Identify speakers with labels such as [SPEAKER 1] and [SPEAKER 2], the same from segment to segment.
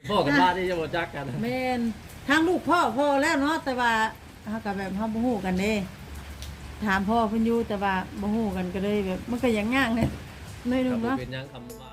[SPEAKER 1] พ่อกับบ้านนี่จะบ่จักกัน
[SPEAKER 2] แม่นทางลูกพ่อแล้วเนาะแต่ว่าเฮาก็แบบเฮาบ่ฮู้กันเด้ถามพ่อเพิ่นอยู่แต่ว่าบ่ฮู้กันก็เลยแบบมันก็ยังยากเนี่ยหน่อยนึงเนาะ
[SPEAKER 1] เป็นยังคำว่า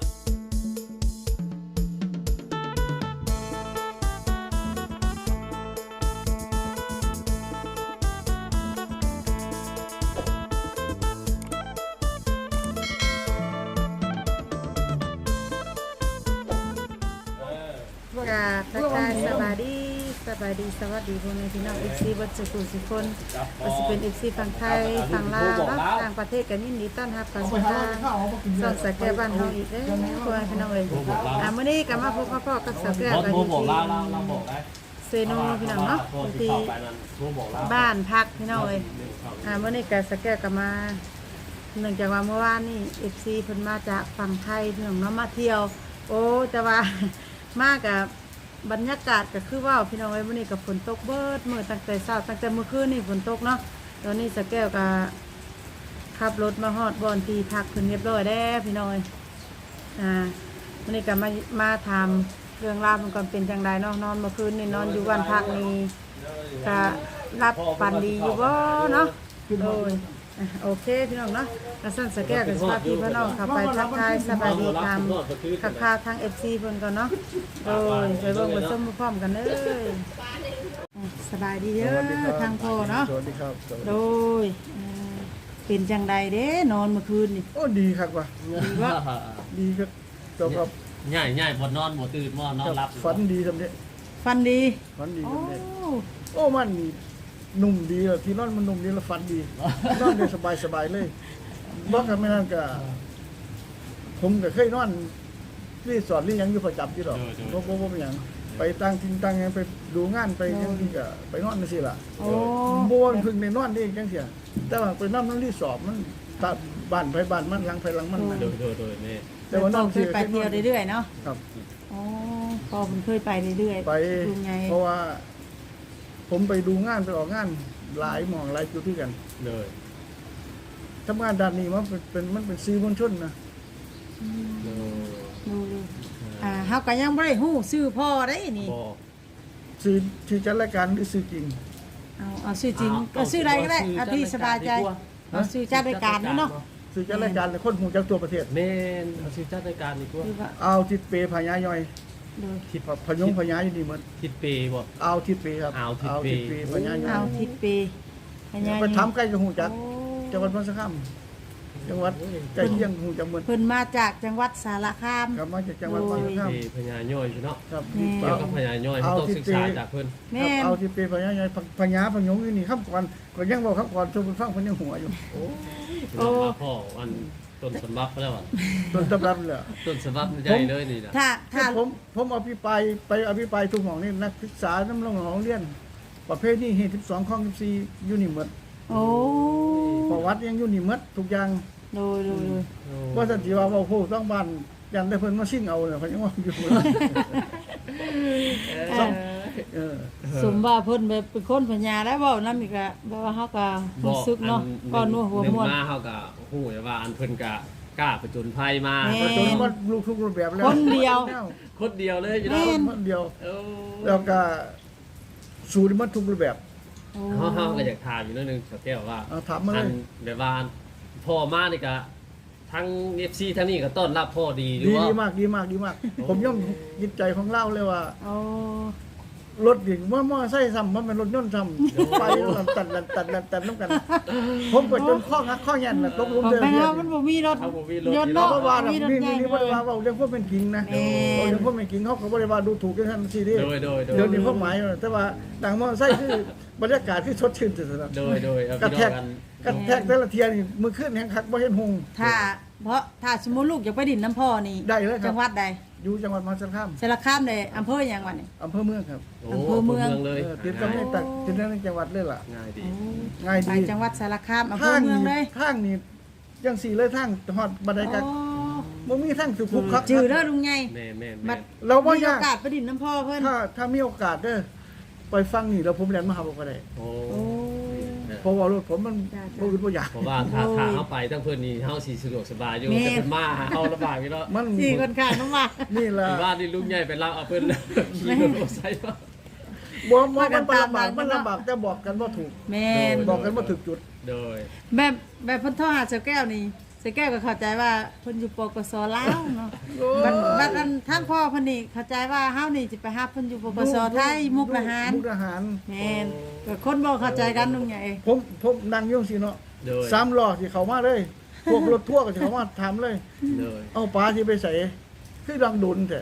[SPEAKER 2] ทักทายสบายดีสวัสดีพ่อแม่พี่น้อง FC บัดสุขุสุคนว่าสิเป็น FC ฝั่งไทยฝั่งลาวเนาะต่างประเทศก็ยินดีต้อนรับเข้าสู่ทางช่องสแกบ้านเฮาอีกเด้อพ่อแม่พี่น้องเอ้ยมื้อนี้ก็มาพบกับพ่อกับสแกกันอยู่ที่เซโนพี่น้องเนาะที่บ้านพักพี่น้องเอ้ยมื้อนี้ก็สแกก็มาเนื่องจากว่าเมื่อวานนี่ FC เพิ่นมาจากฝั่งไทยพี่น้องเนาะมาเที่ยวโอ้แต่ว่ามากับบรรยากาศก็คือว่าพี่น้องเอ้ยมื้อนี้ก็ฝนตกเบิดมื้อตั้งแต่เช้าตั้งแต่เมื่อคืนนี่ฝนตกเนาะตอนนี้สแก้วก็ขับรถมาฮอดบ่อนที่พักเพิ่นเรียบร้อยแล้วพี่น้องเอ้ยมื้อนี้ก็มาถามเรื่องราวมันก่อนเป็นจังไดเนาะนอนเมื่อคืนนี่นอนอยู่บ้านพักนี่ก็รับฝันดีอยู่บ่เนาะโดยโอเคพี่น้องเนาะกระสั่นสแกนกับสวัสดีพี่น้องเข้าไปทักทายสบายดีตามข่าวทาง FC เพิ่นก่อนเนาะโดยไปเบิ่งไปชมพร้อมกันเลยสบายดีเด้อทางพ่อเนาะ
[SPEAKER 3] สวัสดีครับ
[SPEAKER 2] โดยเป็นจังใดเด้นอนเมื่อคืนนี่
[SPEAKER 3] โอ้ดีครับว่ะ
[SPEAKER 2] ดีว่า
[SPEAKER 3] ดีครับจบครับ
[SPEAKER 1] ง่ายบ่นอนบ่ตื่นบ่นอนหลับ
[SPEAKER 3] ฝันดีทำเนี้ย
[SPEAKER 2] ฟันดี
[SPEAKER 3] ฝันดี
[SPEAKER 2] โอ้
[SPEAKER 3] ทำเนี้ยโอ้มันนุ่มดีอ่ะที่นอนมันนุ่มดีแล้วฝันดีนอนได้สบายเลยบ่กันไม่นั่นก็ผมก็เคยนอนรีสอร์ทหรือยังอยู่ประจำที่ดอกบ่เป็นหยังไปตั้งทิ้งตั้งไปดูงานไปยังที่ก็ไปนอนจังซี่ล่ะบ่ว่าเพิ่งได้นอนเองจังซี่แต่ว่าไปนอนรีสอร์ทมันตาบ้านไปบ้านมันหลังไปหลังมัน
[SPEAKER 1] โดยนี่
[SPEAKER 2] แต่ว่านอนเคยไปเที่ยวเรื่อยๆเนาะ
[SPEAKER 3] ครับ
[SPEAKER 2] อ๋อพ่อมันเคยไปเรื่อยๆ
[SPEAKER 3] ไปเพราะว่าผมไปดูงานไปออกงานหลายหม่องหลายจุดที่กัน
[SPEAKER 1] เลย
[SPEAKER 3] ทำงานด้านนี้มันเป็นสื่อมวลชนนะ
[SPEAKER 2] ดูเฮาก็ยังบ่ได้ฮู้ชื่อพ่อได้นี่
[SPEAKER 3] สื่อจัดรายการหรือสื่อจริง
[SPEAKER 2] เอาชื่อจริงก็ชื่อใดก็ได้พี่สบายใจเอาชื่อจัดรายการเนาะ
[SPEAKER 3] สื่อจัดรายการคนหูจากตัวประเทศ
[SPEAKER 1] แม่นเอาชื่อจัดรายการดีกว่า
[SPEAKER 3] เอาทิศเปพญาย่อยทิศพยงพญาอยู่นี่หมด
[SPEAKER 1] ทิศเปบ่
[SPEAKER 3] เอาทิศเปครับ
[SPEAKER 1] เอาทิศเป
[SPEAKER 3] พญาย่อย
[SPEAKER 2] เอาทิศเปพญาย่อย
[SPEAKER 3] ไปทำใกล้กับหูจักจังหวัดพระสะข้ามจังหวัดใกล้เคียงหูจักเมือง
[SPEAKER 2] เพิ่นมาจากจังหวัดสารคาม
[SPEAKER 3] ครับมาจากจังหวัดพระสะข้าม
[SPEAKER 1] พญาย่อยเนาะ
[SPEAKER 3] ครับ
[SPEAKER 1] เกี่ยวกับพญาย่อยต้องศึกษาจากเพิ่น
[SPEAKER 3] เอาทิศเปพญาย่อยพญาพยงอยู่นี่ครับก่อนก็ยังบอกครับก่อนชมฟังเพิ่นยังหัวอยู่
[SPEAKER 1] โอ้พ่ออันต้นสำรับแล้วอ่ะ
[SPEAKER 3] ต้นสำรับเลย
[SPEAKER 1] ต้นสำรับใหญ่เลยนี่นะ
[SPEAKER 2] ถ้า
[SPEAKER 3] ผมอภิปรายทุกหม่องนี่นักศึกษาน้ำลงของเรียนประเภทนี้เหตุ12ข้อ14อยู่นี่หมด
[SPEAKER 2] โอ้
[SPEAKER 3] ประวัติยังอยู่นี่หมดทุกอย่าง
[SPEAKER 2] โดย
[SPEAKER 3] ว่าสันติว่าโหต้องบ้านยันได้เพิ่นมาชิ่งเอาเนี่ยเขายังว่าอยู่
[SPEAKER 2] สมว่าเพิ่นแบบเป็นคนพญาแล้วเว้านำอีกอ่ะบ่ว่าเฮาก็รู้สึกเนาะก็นัวหัวม่วน
[SPEAKER 1] มาเฮาก็ฮู้ว่าอันเพิ่นก็กล้าผจญภัยมา
[SPEAKER 3] ผจญก็ลูกทุกรูปแบบแล้ว
[SPEAKER 2] คนเดียว
[SPEAKER 1] เลยอยู่
[SPEAKER 3] แล้วคนเดียวแล้วก็สู้ได้หมดทุกรูปแบบ
[SPEAKER 1] เฮาก็อยากถามอยู่นิดนึงสักแก้วว่า
[SPEAKER 3] ถามมาเลย
[SPEAKER 1] แบบว่าพ่อมานี่ก็ทั้ง FC ทั้งนี้ก็ต้อนรับพ่อดีหรือว่า
[SPEAKER 3] ดีมากผมย่อมยินใจของเล่าเลยว่า รถดิ่งมอไซค์ซ้ำมันเป็นรถยนต์ซ้ำไปตัดน้ำกันผมก็จนข้องักข้อแย่นตกลงเดิน
[SPEAKER 2] เนี่ยมันบ่มีรถ
[SPEAKER 3] ยนต์เนาะว่ามีบริวารว่าเรื่องพวกเป็นจริงนะเรื่องพวกเป็นจริงเขาบริวารดูถูกกันทันทีนี่เดี๋ยวนี้พวกหมายแต่ว่าดังมอไซค์คือบรรยากาศที่สดชื่นสุดๆ
[SPEAKER 1] โดย
[SPEAKER 3] กระแทกแต่ละเทียนมือขึ้นแห่งคักบ่เห็นหง
[SPEAKER 2] ถ้าสมมุติลูกอยากไปดินน้ำพ่อนี่
[SPEAKER 3] ได้เลยครับ
[SPEAKER 2] จังหวัดใด
[SPEAKER 3] อยู่จังหวัดมหาสารคาม
[SPEAKER 2] เลยอำเภออย่างวันนี้
[SPEAKER 3] อำเภอเมืองครับ
[SPEAKER 2] อำเภอเมือง
[SPEAKER 1] เลย
[SPEAKER 3] ติดกับไม่ตัดติดในจังหวัดเลยล่ะ
[SPEAKER 1] ง่ายดี
[SPEAKER 2] ไปจังหวัดสารคามอำเภอเมืองเลย
[SPEAKER 3] ทางนี่ยังสี่เลยทางฮอดบันไดกันบ่มีทางสุขุมครับ
[SPEAKER 2] จือเด้อลุงใหญ่
[SPEAKER 1] แม่
[SPEAKER 3] เราบ่
[SPEAKER 2] มีโอกาสไปดินน้ำพ่อเพิ่น
[SPEAKER 3] ถ้ามีโอกาสเด้อไปฟังนี่แล้วผมเรียนมหาวิทยาลัย
[SPEAKER 1] โอ้
[SPEAKER 3] เพราะว่ารถผมมันบ่อื่นบ่อยาก
[SPEAKER 1] เพราะว่าถ้าเฮาไปทั้งเพิ่นนี่เฮาสิสะดวกสบายอยู่แต่เพิ่นมาเฮาลำบากอยู่เนาะ
[SPEAKER 3] มัน
[SPEAKER 2] สี่คนข้างน้ำมา
[SPEAKER 3] นี่ล่ะ
[SPEAKER 1] ที่บ้านนี่ลุงใหญ่ไปรับเอาเพิ่นขี่รถมอเตอร์ไซค์มา
[SPEAKER 3] บ่มันลำบากมันลำบากแต่บอกกันบ่ถูก
[SPEAKER 2] แม่น
[SPEAKER 3] บอกกันบ่ถูกจุด
[SPEAKER 1] โดย
[SPEAKER 2] แบบเพิ่นโทรหาเสาแก้วนี่เสาแก้วก็เข้าใจว่าเพิ่นอยู่ปกสลาวเนาะบัดอันทางพ่อเพิ่นนี่เข้าใจว่าเฮานี่สิไปหาเพิ่นอยู่ปกสไทยมุกดาหาร
[SPEAKER 3] มุกดาหาร
[SPEAKER 2] แม่นก็คนบ่เข้าใจกันลุงใหญ่
[SPEAKER 3] ผมนั่งอยู่สิเนาะ
[SPEAKER 1] โดย
[SPEAKER 3] 3ล้อสิเข้ามาเลยพวกรถทั่วร์ก็สิเข้ามาถามเลย
[SPEAKER 1] โดย
[SPEAKER 3] เอาปลาสิไปใส่คือดังดุนแท้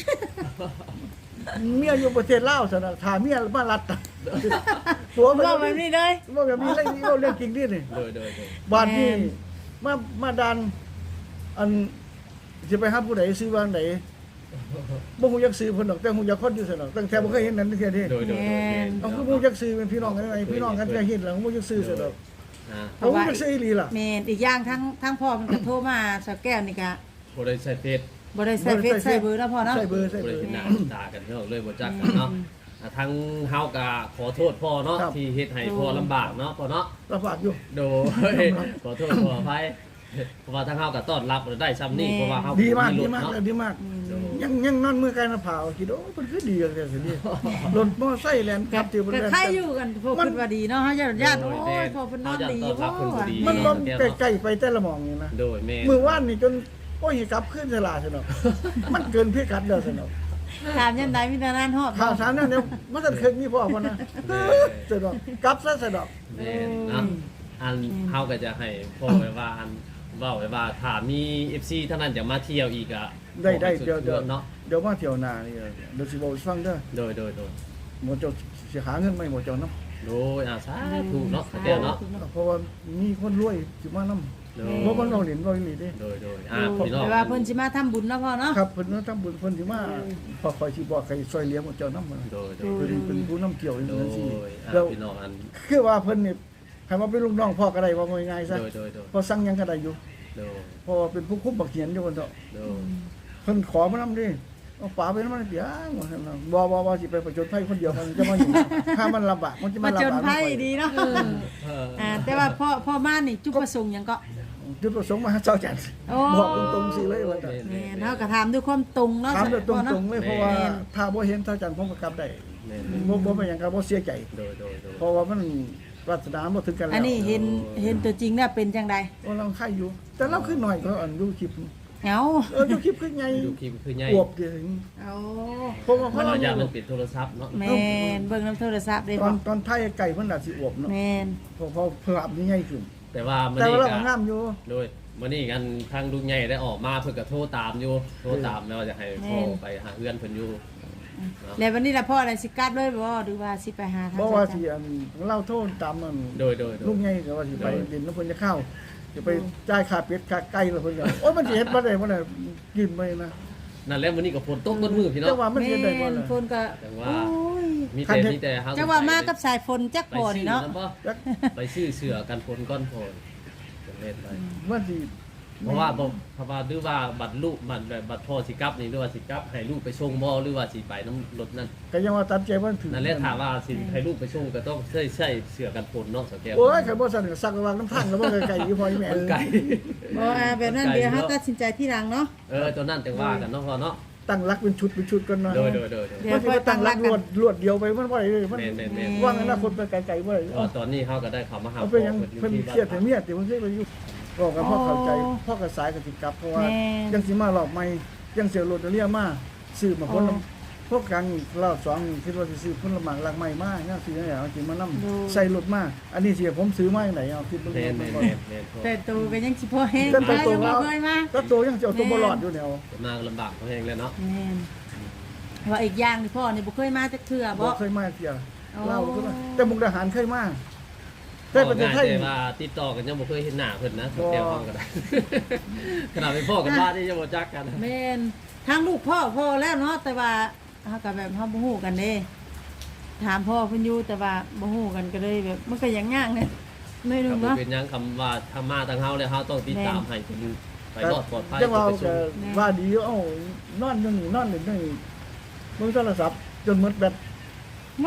[SPEAKER 3] เมียอยู่ประเทศลาวซั่นน่ะถ้าเมียมารัดตัวมัน
[SPEAKER 2] บอกแบบนี้เลย
[SPEAKER 3] บ่แบบนี้เรื่องจริงดินี่
[SPEAKER 1] โดย
[SPEAKER 3] บ้านนี้
[SPEAKER 2] แม่น
[SPEAKER 3] มาดันอันสิไปหาผู้ใดซื้อวางไหนบ่ฮู้จักซื้อเพิ่นดอกแต่ฮู้จักคนอยู่ซั่นดอกตั้งแต่บ่เคยเห็นนั้นเทื่อนี้
[SPEAKER 1] โดย
[SPEAKER 3] เอาคือบ่ฮู้จักซื้อเป็นพี่น้องกันได้ไงพี่น้องกันก็เห็นแล้วบ่ฮู้จักซื้อซั่นดอก
[SPEAKER 1] อ่า
[SPEAKER 3] เอาบ่ฮู้จักซื้ออีหลีล่ะ
[SPEAKER 2] แม่นอีกอย่างทั้งพ่อมันก็โทรมาเสาแก้วนี่ก็
[SPEAKER 1] บ่ได้ใช้เฟซ
[SPEAKER 2] บ่ได้ใส่เฟซใส่เบอร์แล้วพ่อเนาะ
[SPEAKER 3] ใส่เบอร์
[SPEAKER 1] บ่ได้เห็นหน้าเห็นตากันเนาะเลยบ่จักกันเนาะทั้งเฮาก็ขอโทษพ่อเนาะที่เฮ็ดให้พ่อลำบากเนาะพ่อเนาะ
[SPEAKER 3] ลำบากอยู่
[SPEAKER 1] โดยขอโทษขออภัยเพราะว่าทั้งเฮาก็ต้อนรับได้ซ้ำนี่เพราะว่าเฮา
[SPEAKER 3] ดีมาก
[SPEAKER 1] ร
[SPEAKER 3] ดี
[SPEAKER 1] ถ
[SPEAKER 3] มาก
[SPEAKER 1] เนาะ
[SPEAKER 3] ดีมาก
[SPEAKER 1] โดย
[SPEAKER 3] ยังนอนมือไกลมาเผาคิดโอ้เพิ่นคือดีกันแท้สินี่รถมอไซค์แล่นขับที่เพิ่น
[SPEAKER 2] ก็
[SPEAKER 3] แล่น
[SPEAKER 2] ใครอยู่กันพวกคิดว่าดีเนาะเฮาญาติโอ้ยพ่อเพิ่นนอนดี
[SPEAKER 1] ต้อนรับเพิ่นบ่ดี
[SPEAKER 3] มันลมใกล้ๆไปแต่ละหม่องนี่นะ
[SPEAKER 1] โดยแม่
[SPEAKER 3] มื้อวานนี่จนโอ้ยกลับขึ้นสลาซั่นดอกมันเกินพิกัดแล้วซั่นดอก
[SPEAKER 2] ถามยันใดมีแต่นั้นฮอด
[SPEAKER 3] ข่าวสารนั่นเนี่ยมันจะเคยมีพ่อคนนะเสดอกกลับซะเสดอก
[SPEAKER 1] แม่เนาะอันเฮาก็จะให้พ่อไว้ว่าอันเว้าไว้ว่าถ้ามี FC เท่านั้นจะมาเที่ยวอีกอ่ะ
[SPEAKER 3] ได้เดี๋ยว
[SPEAKER 1] เนาะ
[SPEAKER 3] เดี๋ยวมาเที่ยวหน้านี่เดี๋ยวสิบอกให้ฟังเด้อ
[SPEAKER 1] โดย
[SPEAKER 3] หมอเจ้าสิหาเงินไหมหมอเจ้านํ
[SPEAKER 1] โดยสาธุเนาะแก้วเนาะ
[SPEAKER 3] เพราะว่ามีคนรวยสิมานํ
[SPEAKER 1] โด
[SPEAKER 3] บ่คนเอาเหรียญบ่อีหลีเด้
[SPEAKER 1] โดยพี่น้อง
[SPEAKER 2] แต่ว่าเพิ่นสิมาทำบุญเนาะพ่อเนาะ
[SPEAKER 3] ครับเพิ่นทำบุญเพิ่นสิมาพอคอยสิบอกใครช่วยเหลือหมอเจ้านำ
[SPEAKER 1] โดย
[SPEAKER 3] เพิ่นเป็นผู้นำเกี่ยวจัง
[SPEAKER 1] โด
[SPEAKER 3] ซี่
[SPEAKER 1] ย
[SPEAKER 3] แล้ว
[SPEAKER 1] พี่น้องอัน
[SPEAKER 3] คือว่าเพิ่นนี่ให้มาเป็นลูกน้องพ่อก็ได้ว่าง่ายๆซะ
[SPEAKER 1] โดย
[SPEAKER 3] พอสั่งหยังก็ได้อยู่
[SPEAKER 1] โดย
[SPEAKER 3] เพราะว่าเป็นผู้คุมบักเขียนอยู่คนเถาะ
[SPEAKER 1] โดย
[SPEAKER 3] เพิ่นขอมานำดิเอาป๋าไปนำมันเดี๋ยวว่าซั่นน่ะบ่สิไปประจนภัยคนเดียวมันจะมาอยู่ ถ้ามันลำบากมันจะ
[SPEAKER 2] มา
[SPEAKER 3] มา
[SPEAKER 2] จ
[SPEAKER 3] ลำ
[SPEAKER 2] น
[SPEAKER 3] บาก
[SPEAKER 2] ไผดีเนาะแต่ว่าพ่อมานี่จุดประสงค์หยังก็
[SPEAKER 3] จุดประสงค์มาหาเจ้าจันทร์
[SPEAKER 2] โอ้
[SPEAKER 3] บอกตรงๆสิเลยว่าแต่
[SPEAKER 2] แม่นเฮาก็ถามด้วยความตรงเนาะ
[SPEAKER 3] ถามแบบต
[SPEAKER 2] พ่อเนาะ
[SPEAKER 3] รงๆเลยเพราะว่าถ้าบ่เห็นเจ้าจันทร์ผมก็กลับได้
[SPEAKER 1] แม่
[SPEAKER 3] บ่เป็นหยังก็บ่เสียใจ
[SPEAKER 1] โดย
[SPEAKER 3] เพราะว่ามันวาสนาบ่ถึงกันแล้ว
[SPEAKER 2] อันนี้เห็นตัวจริงเนี่ยเป็นจังได
[SPEAKER 3] ว่าเราไข่อยู่ แต่เราขึ้นหน่อยก็อันดูคลิป
[SPEAKER 2] เอา
[SPEAKER 3] ดูคลิปขึ้นใหญ่
[SPEAKER 1] ดูคลิปคือใหญ่
[SPEAKER 3] อวบดิ
[SPEAKER 2] เอา
[SPEAKER 3] เพราะว่า
[SPEAKER 1] มัน
[SPEAKER 3] เรา
[SPEAKER 1] เอาอย่างมันปิดโทรศัพท์เนาะ
[SPEAKER 2] แม่นเบิ่งน้ำโทรศัพท์ได้
[SPEAKER 3] ต
[SPEAKER 2] บ่
[SPEAKER 3] อนไทยไก่เพิ่นน่ะสิอวบเนาะ
[SPEAKER 2] แม่น
[SPEAKER 3] เพราะภาพนี่ใหญ่ขึ้น
[SPEAKER 1] แต่ว่ามัน
[SPEAKER 3] แต่
[SPEAKER 1] นี่
[SPEAKER 3] ว่าเรา
[SPEAKER 1] ก็
[SPEAKER 3] ก็งามอยู่
[SPEAKER 1] โดยมันนี่กันทางลุงใหญ่ได้ออกมาเพิ่นก็โทรตามอยู่โทรตามแล้วจะให้พ่อไปหาเพื่อนเพิ่นอยู่
[SPEAKER 2] แล้ววันนี้ล่ะพ่อได้สิกลับเลยบ่หรือว่าสิไปหาทาง
[SPEAKER 3] บ่ว่าสิอันเล่าโทษตามมัน
[SPEAKER 1] โดย
[SPEAKER 3] ลูกใหญ่ก็ว่าสิไปดินแล้วเพิ่นจะเข้าจะไปจ่ายค่าเป็ดค่าไก่แล้วเพิ่นก็โอ้ยมันสิเฮ็ดบ่ได้บ่ได้กินไปนะ
[SPEAKER 1] นั่นแหละมื้อนี้ก็ฝนตกเบิดมื้อพี่
[SPEAKER 3] จั
[SPEAKER 1] เนาะ
[SPEAKER 3] งว่ามัน
[SPEAKER 2] แม่
[SPEAKER 3] เฮ็ดได้บ่
[SPEAKER 2] น
[SPEAKER 3] ล่ะ
[SPEAKER 2] ฝนก็
[SPEAKER 1] จังว่า
[SPEAKER 2] โอ้ย
[SPEAKER 1] มีแต่เฮา
[SPEAKER 2] จังว่ามากับสายฝนจัก
[SPEAKER 1] ไป
[SPEAKER 2] พอ
[SPEAKER 1] ซื้
[SPEAKER 2] นี่
[SPEAKER 1] อ
[SPEAKER 2] เนาะ
[SPEAKER 1] นำบ่
[SPEAKER 3] จัก
[SPEAKER 1] ไปซื้อเสื้อกันฝนก้อนโพนจะเล่นไป
[SPEAKER 3] มันสิ
[SPEAKER 1] เพราะว่าหรือว่าบัตรลูกมันแบบบัตรพ่อสิกลับนี่หรือว่าสิกลับให้ลูกไปส่งบ่หรือว่าสิไปน้ำรถนั่น
[SPEAKER 3] ก็ยังว่าตัดใจมันถึง
[SPEAKER 1] นั่นแหละถามว่าสิให้ลูกไปส่งก็ต้องใช่เสื้อกันฝนเนาะสแกว
[SPEAKER 3] โอ้ยคันบ่สั่นก็สักวางน้ำทางแล้วบ่ไกลๆอยู่พออีแม่
[SPEAKER 1] มันไกล
[SPEAKER 2] บ่แบบนั้นเดี๋ยวเฮาตัดสินใจที่หลังเนาะ
[SPEAKER 1] ตัวนั้นจังว่ากันเนาะพ่อเนาะ
[SPEAKER 3] ตั้งรักเป็นชุดก่อนเนาะ
[SPEAKER 1] โดย
[SPEAKER 2] เดี๋
[SPEAKER 3] มั
[SPEAKER 2] ย
[SPEAKER 3] น
[SPEAKER 2] ว
[SPEAKER 3] สิมาตั้งรักรวดเดียวไปมันบ่ได้เลยมัน
[SPEAKER 1] แม่น
[SPEAKER 3] ว่างอนาคตไปไกลๆบ่ได้
[SPEAKER 1] ตอนนี้เขาก็ได้เข้ามาหา
[SPEAKER 3] เอาไปยังเพิ่นเครียดแต่เมียติมันเคยไปอยู่บอกกับพ่อเข้าใจพ่อก็สายก็สิกลับเพราะว่ายังสิมารอบใหม่ยังเสียรถเรียมาซื้อมาคนพวกกันรอบ2คิดว่าสิซื้อคนละหมากลักใหม่มายังสิให้เอาสิมานำใส่รถมาอันนี้สิผมซื้อมาจังไดเอาคิดเบิ่ง
[SPEAKER 1] แม่น
[SPEAKER 3] ก่อน
[SPEAKER 2] แต่ตัวก็ยังสิพอแห้ง
[SPEAKER 3] แต่
[SPEAKER 2] ไป
[SPEAKER 3] ตัว
[SPEAKER 2] ยังบ่
[SPEAKER 3] เรา
[SPEAKER 2] เคยมา
[SPEAKER 3] ก็ตัวยังสิเอาตัวบ่รอดอยู่แนว
[SPEAKER 1] มาลำบากเขาเองเลยเนาะ
[SPEAKER 2] แม่นว่าอีกอย่างนี่พ่อนี่บ่เคยมาจักเทื่อ
[SPEAKER 3] บ่
[SPEAKER 2] บ่
[SPEAKER 3] เคยมาเที่ย
[SPEAKER 2] อ๋อ
[SPEAKER 3] เล่าก็ได้แต่มุกดาหารเคยมาแต่ประเทศไทย
[SPEAKER 1] แต่ว่าติดต่อกันยังบ่เคยเห็นหน้าเพิ่นนะสแกวเขาก็ได้ ขนาดเป็นพ่อกันบ้านนี่ยังบ่จักกัน
[SPEAKER 2] แม่นทางลูกพ่อแล้วเนาะแต่ว่าเฮาก็แบบเฮาบ่ฮู้กันเด้ถามพ่อเพิ่นอยู่แต่ว่าบ่ฮู้กันก็เลยแบบมันก็ยังยากเนี่ยหน่อยหนึ
[SPEAKER 1] ก็
[SPEAKER 2] ง
[SPEAKER 1] บ่
[SPEAKER 2] เนาะ
[SPEAKER 1] เป็นหยังคำว่าถ้ามาทางเฮาแล้วเฮาต้องติดตามให้เพิ่นไปรอดปลอดภัย
[SPEAKER 3] จังว่า
[SPEAKER 1] ไป
[SPEAKER 3] ก็
[SPEAKER 1] ส่ง
[SPEAKER 3] ว่าดีเอ้านอนอยู่นี่นอนอยู่นี่เบิ่งโทรศัพท์จนหมดแบต
[SPEAKER 2] เนาะ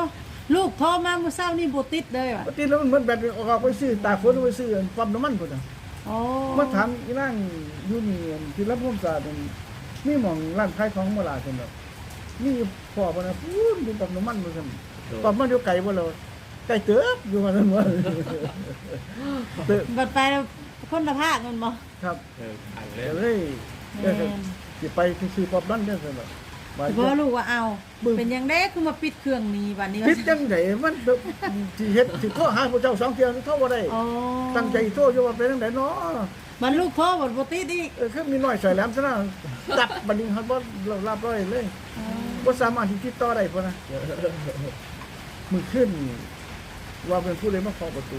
[SPEAKER 2] ลูกโทรมาเมื่อเช้านี่บ่ติดเลยว่ะ
[SPEAKER 3] ปกติแล้วมันแบตออกไปซื้อตากฝนไปซื้อปั๊มน้ำมันพุ่นน่ะ
[SPEAKER 2] โอ้
[SPEAKER 3] มาถามอีนั่งอยู่นี่ที่รับผมสาดมีหม่องร้านขายของโบราณซั่นดอกมีพ่อบ่นะพูดอยู่ปั๊มน้ำมันบ่ซั่นปั๊มมันอยู่ไกลบ่แล้วไกลเติบอยู่ว่าซั่นว่าเติบ
[SPEAKER 2] บัดไปแล้วคนละภาคมันบ่
[SPEAKER 3] ครับ
[SPEAKER 1] อ่าน
[SPEAKER 3] ก็
[SPEAKER 1] เลย
[SPEAKER 3] เลยสิไปซื้อปั๊มนั้นจังซั่นดอกว่า
[SPEAKER 2] แต่บ่รู้ว่าเอาเป็นหยังไดคือมาปิดเครื่องนี้บัดนี้
[SPEAKER 3] คิดจังไดมันสิเฮ็ดสิโทรหาพระเจ้า2เที่ยโทรบ่ได้
[SPEAKER 2] อ๋อ
[SPEAKER 3] ตั้งใจโทรอยู่ว่าเป็นจังไดเนาะ
[SPEAKER 2] มันลูกโทรบ่ติดอีก
[SPEAKER 3] คือมีน้อยใส่แหลมซะนะตัดบัดนี้ครับบ่รับร้อยเลยบ่สามารถที่ติดต่อได้พุ่นนะมื้อขึ้นว่าเป็นผู้ใดมาเคาะประตู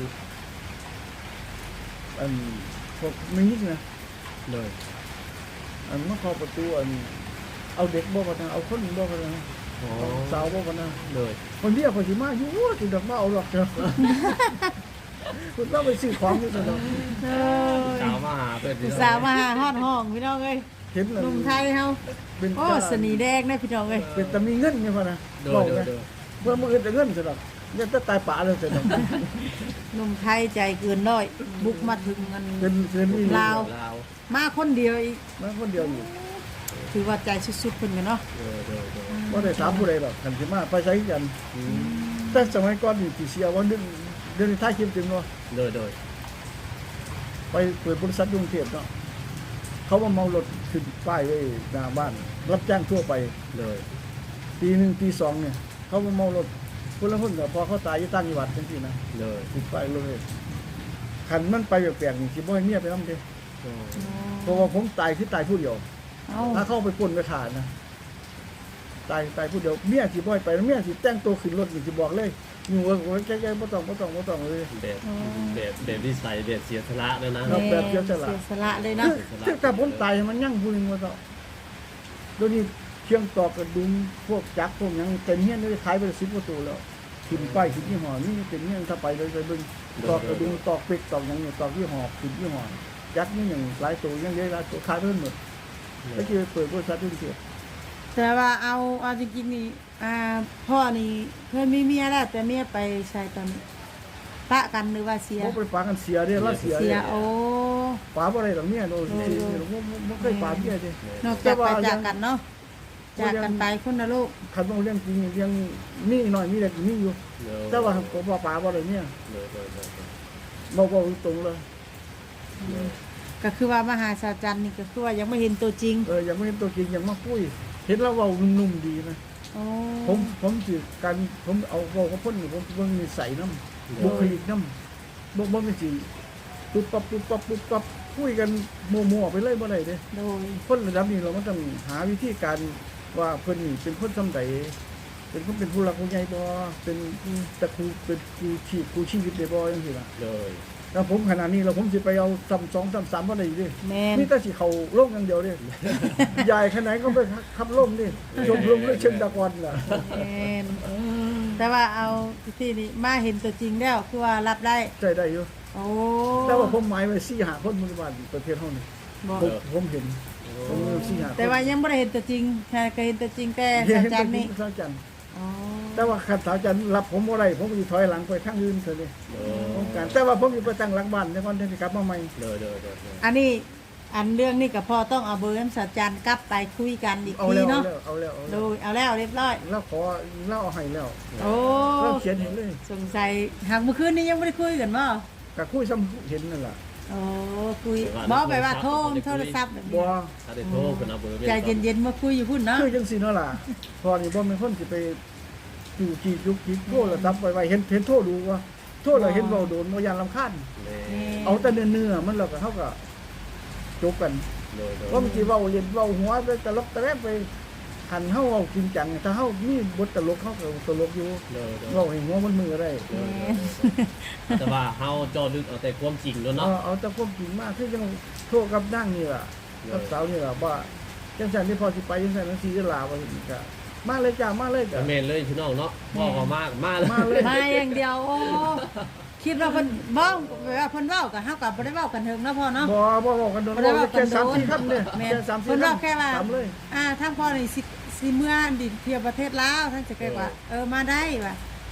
[SPEAKER 3] อันพวกมีนิดนะ
[SPEAKER 1] เลย
[SPEAKER 3] อันมาเคาะประตูอันเอาเด็กบ่กันนะเอาคนบ่กันนะ
[SPEAKER 1] อ๋อ
[SPEAKER 3] เอาสาวบ่กันนะ
[SPEAKER 1] เลย
[SPEAKER 3] คนเดียวคนสิมาอยู่สิดอกมาเอาหรอกเด้อคุณต้องไปซื้อของนี่ซะเนาะ
[SPEAKER 2] เออ
[SPEAKER 1] สาวมาหาเพื่อน
[SPEAKER 2] ผู้สาวมาหาฮอดห้องพี่น้องเอ้ย
[SPEAKER 3] เห็นแล้ว
[SPEAKER 2] หนุ่มไทยเฮา
[SPEAKER 3] เป็น
[SPEAKER 2] โอ้สนีแดงนะพี่น้องเอ้ย
[SPEAKER 3] เป็นแต่มีเงินนี่พุ่นนะ
[SPEAKER 1] โด
[SPEAKER 3] บ
[SPEAKER 1] ย
[SPEAKER 3] อก
[SPEAKER 1] โดย
[SPEAKER 3] นะ
[SPEAKER 1] โดย
[SPEAKER 3] เมื่อมื้ออื่นจะเงินซะดอกยังจะตายป่าเลยซะดอก
[SPEAKER 2] หนุ่มไทยใจเกินร้อยบุกมาถึงเงิน
[SPEAKER 3] เป็นนี่
[SPEAKER 2] ลาว
[SPEAKER 1] ลาว
[SPEAKER 2] มาคนเดียวอีก
[SPEAKER 3] มาคนเดียวอยู่
[SPEAKER 2] ถือว่าใจสุดๆเพิ่นกันเนาะ
[SPEAKER 1] โดยโดยโดย
[SPEAKER 3] บ่ได้ถามผู้ใดหรอกคันสิมาไปใช้กัน แต่สมัยก่อนนี่ที่เสียว่าเดือนท้ายคลิปจริงเนาะ
[SPEAKER 1] โดยโดย
[SPEAKER 3] ไปเปิดบริษัทกรุงเทพเนาะเขามาเมารถขึ้นป้ายไว้หน้าบ้าน รับจ้างทั่วไป
[SPEAKER 1] โดย
[SPEAKER 3] ปีหนึ่งปีสองเนี่ยเขามาเมารถคนละคนกับพอเขาตายอยู่ต่างจังหวัดจังซี่นะ
[SPEAKER 1] โดย
[SPEAKER 3] ติดป้ายเลยคันมันไปแปลกๆนี่สิบ่ให้เมียไปนำเด้
[SPEAKER 1] โอ้
[SPEAKER 3] เพราะว่าผมตายคือตายผู้เดียว
[SPEAKER 2] เอา
[SPEAKER 3] ถ้าเข้าไปปล้นไปขาดนะตายผู้เดียวเมียสิบ่ให้ไปแล้วเมียสิแต่งตัวขึ้นรถนี่สิบอกเลยอยู่ว่าแก่ๆบ่ต้องเลย
[SPEAKER 1] แบบนิสัยแบบเสียสละเลยนะ
[SPEAKER 3] ค บแบบเสียสละ
[SPEAKER 2] เสียสละเลยเนาะ
[SPEAKER 3] คือถ้าผมตายมันยั่งผู้หนึงว่าต่อเดี๋ยวนี้เชียงตอกกระดุมพวกจักรพวกหยังเต็มเฮียนเลยขายไป10กว่าตัวแล้วขึ้นป้ายขึ้นยี่ห้อนี่เต็มเฮียนถ้าไปเลยไปเบิ่งตอกกระดุมตอกเป็กตอกหยังเนี่ยตอกยี่ห้อขึ้นยี่ห้อจักรนี่อย่างหลายตัวยังเยอะหลายตัวขายไปหมดแล้วคือเปิดบริษัทด้วยเสีย
[SPEAKER 2] แต่ว่าเอาจริงๆนี่พ่อนี่เคยมีเมียแล้วแต่เมียไปใช้ตอนปะกันหรือว่าเสีย
[SPEAKER 3] บ่ไปฝากกันเสียเด้อแล้วเสีย
[SPEAKER 2] เสี
[SPEAKER 3] เด้
[SPEAKER 2] ย
[SPEAKER 3] อ
[SPEAKER 2] โอ้
[SPEAKER 3] ฝาบ่ได้ดอกเนี่ยโดนสิบ่เคยฝากเมียเด้
[SPEAKER 2] นอกจากไปจากกันเนาะจากกันไปคนละลูก
[SPEAKER 3] คันบ่เรื่องจริงยังมีน้อยมีเล็กมีอยู่แต่ว่าก็บ่ฝาบ่ได้เนี่ย
[SPEAKER 1] โดยโดยโดย
[SPEAKER 3] บ่ตรงเลย
[SPEAKER 2] ก็คือว่ามหาศาลจันทร์นี่ก็คือว่ายังไม่เห็นตัวจริง
[SPEAKER 3] ยังไม่เห็นตัวจริงยังมาคุยเห็นแล้วเว้านุ่มๆดีนะ
[SPEAKER 2] โอ้
[SPEAKER 3] ผมสิการผมเอาเว้ากับเพิ่นนี่ผมเบิ่งนิสัยนำบุคลิกนำบ่แม่นสิปุ๊บปั๊บคุยกันมั่วๆไปเลยบ่ได้เด้
[SPEAKER 2] โดย
[SPEAKER 3] คนระดับนี้เรามันต้องหาวิธีการว่าเพิ่นนี่เป็นคนซำใดเป็นคนเป็นผู้หลักผู้ใหญ่บ่เป็นตะครูเป็นครูชีวิตได้บ่จังซี่ล่ะ
[SPEAKER 1] โดย
[SPEAKER 3] แล้วผมขนาดนี้แล้วผมสิไปเอาซ้ำ2ซ้ำ3บ่ได้เด้
[SPEAKER 2] แม่น
[SPEAKER 3] นี่แต่สิเข้าโลกอย่างเดียวเด้ ใหญ่ขนาดไหนก็ไปขับลมดิชมรมด้วยเชิงตะกอนล่ะ
[SPEAKER 2] แม่นแต่ว่าเอาที่นี่มาเห็นตัวจริงแล้วคือว่ารับได้
[SPEAKER 3] ใจได้อยู่
[SPEAKER 2] โอ้
[SPEAKER 3] แต่ว่าผมหมายไว้4-5คนปัจจุบันประเทศเฮานี่
[SPEAKER 2] บอก
[SPEAKER 3] ผมเห็นผม4-5คน
[SPEAKER 2] แต่ว่ายังไม่ได้เห็นตัวจริงแค่เคยเห็นตัวจริงแต่
[SPEAKER 3] เห็น
[SPEAKER 2] ศาลจันทร์นี่
[SPEAKER 3] สาวจันทร์
[SPEAKER 2] อ๋อ
[SPEAKER 3] แต่ว่าคันสาวจันทร์รับผมบ่ได้ผมก็สิถอยหลังไปทางอื่นเถอะนี่
[SPEAKER 1] โด
[SPEAKER 3] ผมการแต่ว่าผมอยู่ไปตั้งหลังบ้านในวันที่กลับมาใหม่
[SPEAKER 1] ยโดยโดยโดย
[SPEAKER 2] อันนี้อันเรื่องนี้กับพ่อต้องเอาเบอร์น้ำศาลจันทร์กลับไปคุยกันอีก
[SPEAKER 3] เอา
[SPEAKER 2] ที
[SPEAKER 3] แล้ว
[SPEAKER 2] เนาะ
[SPEAKER 3] เอาแล้ว
[SPEAKER 2] ดูเอาแล้วเรียบร้อย
[SPEAKER 3] แล้วขอแล้วเอาให้แล้ว
[SPEAKER 2] โอ้
[SPEAKER 3] แล้วเขียนเห็นเลย
[SPEAKER 2] สงสัยหากเมื่อคืนนี้ยังไม่ได้คุยกันบ่
[SPEAKER 3] ก็คุยซ้ำเห็นนั่นล่ะ
[SPEAKER 2] โอ้คุยบอกไปว่าโทรศัพท์แบบ
[SPEAKER 3] บ่
[SPEAKER 2] นี้
[SPEAKER 1] ถ้าได้โทรกันเอาเบอร์
[SPEAKER 2] ใจเย็นๆมาคุยอยู่พุ่นเนาะ
[SPEAKER 3] คือจังซี่เนาะล่ะพอนี่บ่แม่นคนสิไปอยู่จียุกจีโทรศัพท์ไว้เห็นโทรดูว่าโทรแล้วเห็นเว้าโดนบ่ยานรำคาญ เอาแต่เนื้อมันแล้วก็เฮาก็จบกัน
[SPEAKER 1] โดยโดย
[SPEAKER 3] ว่ามันสิเว้าเล่นเว้าหัวไปตลกตะแลบไปหันเฮาเอาจริงจังถ้าเฮามีบทตลกเฮาก็ตลกอยู่
[SPEAKER 1] โดยโดย
[SPEAKER 3] เว้าให้หัวมันมือได้
[SPEAKER 1] แต่ว่าเฮาเจอลึกเอาแต่ความจริงแล้วเนาะ
[SPEAKER 3] เอาแต่ความจริงมาคือจังโทรกับนางนี่ล่ะกับสาวนี่ล่ะว่าจังซั่นที่พอสิไปจังซั่นจังซี่จะลาว่าสิก็มาเลยจ้ามาเลยจ้ะ
[SPEAKER 1] แม่นเลยพี่น้องเนาะพ่อก็มากมาเลย
[SPEAKER 3] มาเลย
[SPEAKER 2] มาอย่างเดียวโอ้คิดว่าเพิ่นบ้องว่าเพิ่นเว้ากับเฮากับบ่ได้เว้ากันเถิงเนาะพ่อเนาะ
[SPEAKER 3] บ่บอกกันโดน
[SPEAKER 2] บ่ได้เว้า
[SPEAKER 3] แค่
[SPEAKER 2] กันโดน
[SPEAKER 3] 3-4คำเนี่ย
[SPEAKER 2] แม่น
[SPEAKER 3] แค่3-4
[SPEAKER 2] เพิ่นเว้าแค่ว่า
[SPEAKER 3] ตามเลย
[SPEAKER 2] ทางพ่อนี่สิเมื่อดิเที่ยวประเทศลาวท่านจะแค่ว่ามาได้ว่า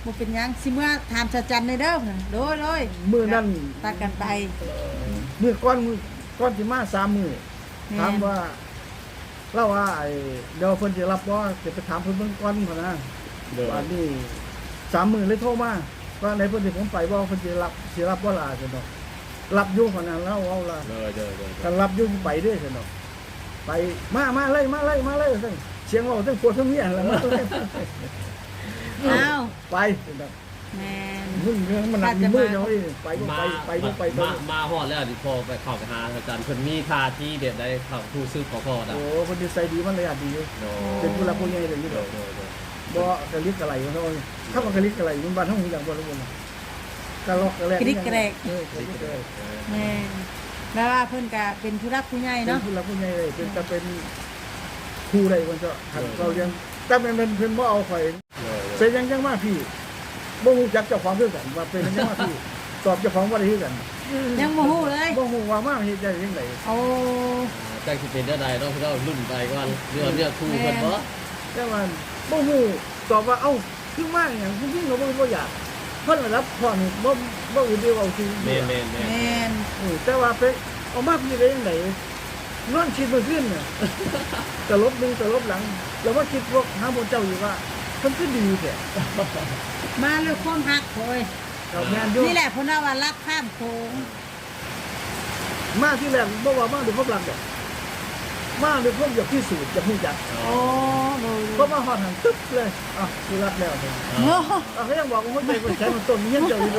[SPEAKER 2] บ่เป็นหยังสิเมื่อถามชาจันในเด้อโดย
[SPEAKER 3] มื้อนั้น
[SPEAKER 2] ตัดกันไป
[SPEAKER 3] มื้อก้อนสิมา3มื้อ
[SPEAKER 2] แม่น
[SPEAKER 3] ถามว่าเราว่าไอ้เดี๋ยวเพิ่นสิรับบ่จะไปถามเพิ่นเบิ่งก่อนพุ่นนะ
[SPEAKER 1] เด้อ
[SPEAKER 3] วันนี้3มื้อเลยโทรมาว่าในเพิ่นสิผมไปบ่เพิ่นสิรับบ่ล่ะซั่นดอกรับอยู่พุ่นน่ะแล้วเอาล่ะ
[SPEAKER 1] เด้อ
[SPEAKER 3] คันรับอยู่ไปเด้อซั่นดอกไปมาเลยซั่นเสียงเว้าทั้งปวดทั้งเมียแล้วมาเลย
[SPEAKER 2] อ้าว
[SPEAKER 3] ไปซั่นดอก
[SPEAKER 2] แม่น
[SPEAKER 3] มึงเรื่องมันหนักมีมือเนาะไปบ่ไป
[SPEAKER 1] มาฮอดแล้วดิพอไปเข้าไปหาอาจารย์เพิ่นมีท่าที่เด็ดได้เข้าผู้ซื้อขอพอด
[SPEAKER 3] โอ้คนดีใจดีมันเลยอ่ะดี
[SPEAKER 1] โด
[SPEAKER 3] เป็นผู้รับผู้ใหญ่เลยนี่
[SPEAKER 1] โด
[SPEAKER 3] ดอก
[SPEAKER 1] โด
[SPEAKER 3] บ่กะลิกกะไหลเนาะถ้ามันกะลิกกะไหลมันบ้านเฮาฮู้จักบ่รู้บ่กะลอกกะแลก
[SPEAKER 2] กริกกระแรก
[SPEAKER 3] เออกะลิกกะแลก
[SPEAKER 2] แม่นแล้วว่าเพิ่นก็เป็นผู้รักผู้ใหญ่
[SPEAKER 3] เป็น
[SPEAKER 2] เนาะ
[SPEAKER 3] ผู้รับผู้ใหญ่เลยเป็นจะเป็นครูได้มันจะหันเราเรียนแต่เป็นเพิ่นบ่เอาข่อยเป็นยังมาพี่บ่ฮู้จักเจ้าของคือกันว่าเป็นยังมาพี่ตอบเจ้าของบ่ได้คือกัน
[SPEAKER 2] ยังบ่ฮู้เลย
[SPEAKER 3] บ่ฮู้ว่ามาเฮ็ดได้จังได๋
[SPEAKER 2] โอ้
[SPEAKER 1] จังสิเป็นได้ใดเนาะเรารุ่นไปก่อนเรื่องครูเพิ่นบ่
[SPEAKER 3] แต่ว่าบ่ฮู้ตอบว่าเอ้าคือมาหยังจริงๆก็บ่อยากเพิ่นรับพ่อนี่บ่อื่นเดียวเอาสิ
[SPEAKER 1] แม่น
[SPEAKER 2] แม่น
[SPEAKER 3] แต่ว่าไปเอามาพี่ได้ยังไงนอนคิดมาขึ้นเนี่ยตลบหนึ่งตลบหลัง แล้วว่าคิดว่าหาบนเจ้าอยู่ว่ามันก็ดีแท้
[SPEAKER 2] มาด้วยความฮักโอย
[SPEAKER 3] เรางานอยุ่
[SPEAKER 2] นี่แหละเพิ่นว่ารักข้ามโขง
[SPEAKER 3] มาที่แรกบ่ว่ามาด้วยความรักดอกมาด้วยความอยากพิสูจน์อยากรู้จัก
[SPEAKER 2] โอ้โดย
[SPEAKER 3] เพราะมาฮอดหันตึ๊บเลยอ่ะคือรักแล้วเนี่ย
[SPEAKER 2] โอ้
[SPEAKER 3] เขายังบอกว่าหัวใจมันแข็งมันต้นมันยังเจ้าอยู่เลย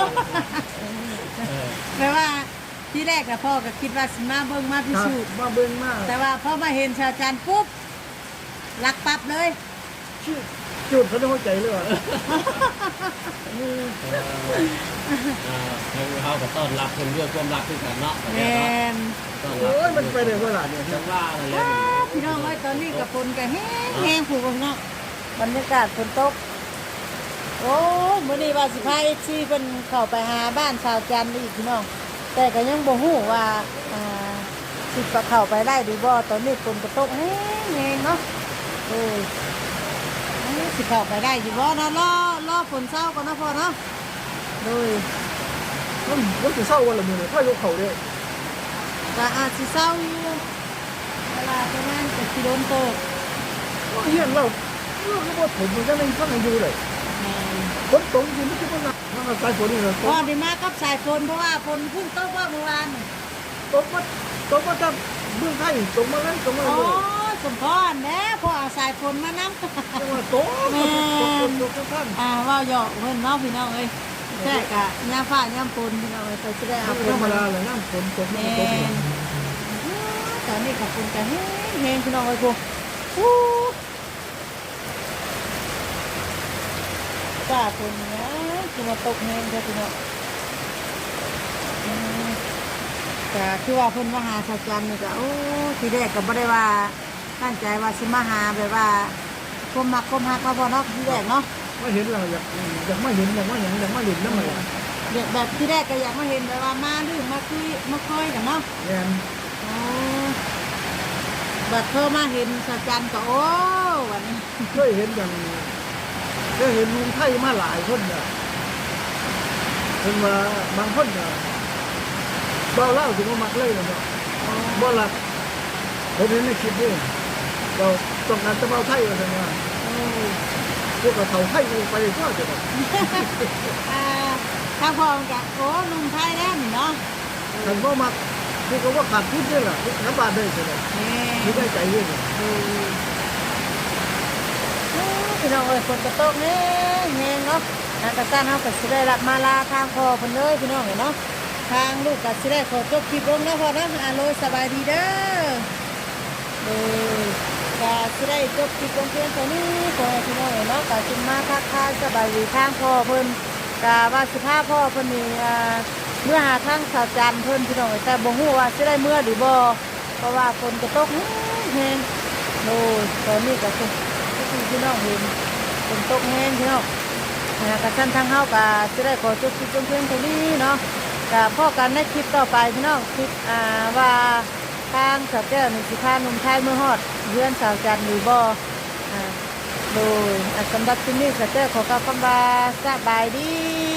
[SPEAKER 2] แปลว่าที่แรกน่ะพ่อก็คิดว่าสิมาเบิ่งมาพิ
[SPEAKER 3] ครับ
[SPEAKER 2] สูจน์
[SPEAKER 3] มาเบิ่งมา
[SPEAKER 2] แต่ว่าพอมาเห็นชาวจันทร์ปุ๊บรักปั๊บเลย
[SPEAKER 3] ชื่อจุดเขาในหัวใจเลยว่ะ
[SPEAKER 1] เฮาก็ต้อนรับเพิ่นด้วยความรักคือกันเนาะ
[SPEAKER 2] แม่น
[SPEAKER 1] ต้อน
[SPEAKER 3] โอ้ยมันไปได้เวลาเนี่ย
[SPEAKER 1] จังว่านั่นแหละ
[SPEAKER 2] พี่น้องเอ้ยตอนนี้กับฝนก็แห้งๆผู้เบิ่งเนาะบรรยากาศฝนตกโอ้มื้อนี้ว่าสิพา FC เพิ่นเข้าไปหาบ้านชาวจันทร์อีกพี่น้องแต่ก็ยังบ่ฮู้ว่าสิเข้าไปได้หรือบ่ตอนนี้ฝนก็ตกแห้งๆเนาะโอ้ยสิเข้าไปได้อยู่บ่เนาะรอฝนเช้าก่อนเนาะพ่อเนาะโดย
[SPEAKER 3] มันจะเศร้าวันละมื้อเนี่ยถ้ายกเขาเด้
[SPEAKER 2] ก็อาจสิเศร้าอยู่เวลาประมาณ7กิโลเมตร
[SPEAKER 3] เฮียนเราก็บ่ผมมันจะไม่ฟังให้อยู่เลยฝนตกอยู่มันจะบ่หนักมันสายฝนนี่เหรอ
[SPEAKER 2] พอได้มากับสายฝนเพราะว่าฝนเพิ่งตกว่าเมื่อวาน
[SPEAKER 3] ตกมาจากเมืองไทยตกมาเลยตกมา
[SPEAKER 2] อ๋อ
[SPEAKER 3] เลย
[SPEAKER 2] สมพรแน่พอเอาสายฝนมานำ
[SPEAKER 3] จังหวัดตกท่าน
[SPEAKER 2] ว่าหยอกเพิ่นเนาะพี่น้องเอ้ยแท้กะยามฟ้ายามฝนพี่น้องเอ้ยไปสิได้เอาฝ
[SPEAKER 3] ธร
[SPEAKER 2] น
[SPEAKER 3] รม
[SPEAKER 2] มา
[SPEAKER 3] ดาเลยน้ำฝนตก
[SPEAKER 2] แม่
[SPEAKER 3] ตก
[SPEAKER 2] นตอนนี้กับฝนก็แห้งๆพี่น้องเอ้ยพวกอู้จ้าฝนนะคือมาตกแห้งเด้อพี่น้องก็คือว่าเพิ่นมาหาชาวจันทร์นี่ก็โอ้ทีแรกก็บ่ได้ว่าตั้งใจว่าสิมาหาแบบว่าก้มมักก้มฮักมาบ่เนาะทีแรกเนาะ
[SPEAKER 3] ไม่เห็นเราอยากมาเห็นอยากมาเห็นอยากมาเห็นน้ำมัน
[SPEAKER 2] แบบที่แรกก็อยากมาเห็นแบบว่ามาดื่มมาคุยมาคอยกันเนาะ
[SPEAKER 3] แอน
[SPEAKER 2] อ๋อบัดเธอมาเห็นชาวจันทร์ก็โอ้วันนี้
[SPEAKER 3] เคยเห็นอย่างเคยเห็นลุงไทยมาหลายคนเนี่ยเป็นว่าบางคนเนี่ยเบาเล่าถึงว่ามักเลยเนาะบ่หลักผมเห็นในคลิปนี่เราต้องการจะเบาไทยกันนะ
[SPEAKER 2] โอ้
[SPEAKER 3] พวกเราไทยไปก็จะแบบ
[SPEAKER 2] ถ้าพอมนกันโอ้หนุ่มไทยแล้วนี่เนาะ
[SPEAKER 3] ฉันก็มักคือก็ว่าขาดทุนด้วยล่ะน้ำบาดได้ใช่ไหม
[SPEAKER 2] แม่
[SPEAKER 3] ที่ได้ใจด้วย
[SPEAKER 2] พี่น้องเอ้ยฝนกระตกแห้งเนาะทางกระซ่านเฮาก็สิได้รับมาลาทางพ่อเพิ่นเลยพี่น้องเอ้ยเนาะทางลูกก็สิได้ขอจบคลิปลงเนาะพ่อเนาะโลยสบายดีเด้อก็สิได้จบคลิปลงเพียงเท่านี้ขอให้พี่น้องเอ้ยเนาะก็สิมาทักทายสบายดีทางพ่อเพิ่นก็ว่าสิพาพ่อเพิ่นนี่เมื่อหาทางสาวจันทร์เพิ่นพี่น้องเอ้ยแต่บ่ฮู้ว่าสิได้เมื่อหรือบ่เพราะว่าฝนกระตกแห้งโอ้ยตอนนี้ก็คือพี่น้องเห็นฝนตกแห้งพี่น้องกระชั้นทางเฮาก็สิได้ขอจบคลิปลงเพียงเท่านี้เนาะก็พอกันในคลิปต่อไปพี่น้องคลิปว่าทางสาวแก้วนี่สิพาหนุ่มไทยเมื่อฮอดเรือนสาวจันทร์หรือบ่โดยสำหรับที่นี่ก็เจอขอกล่าวคำว่าสบายดี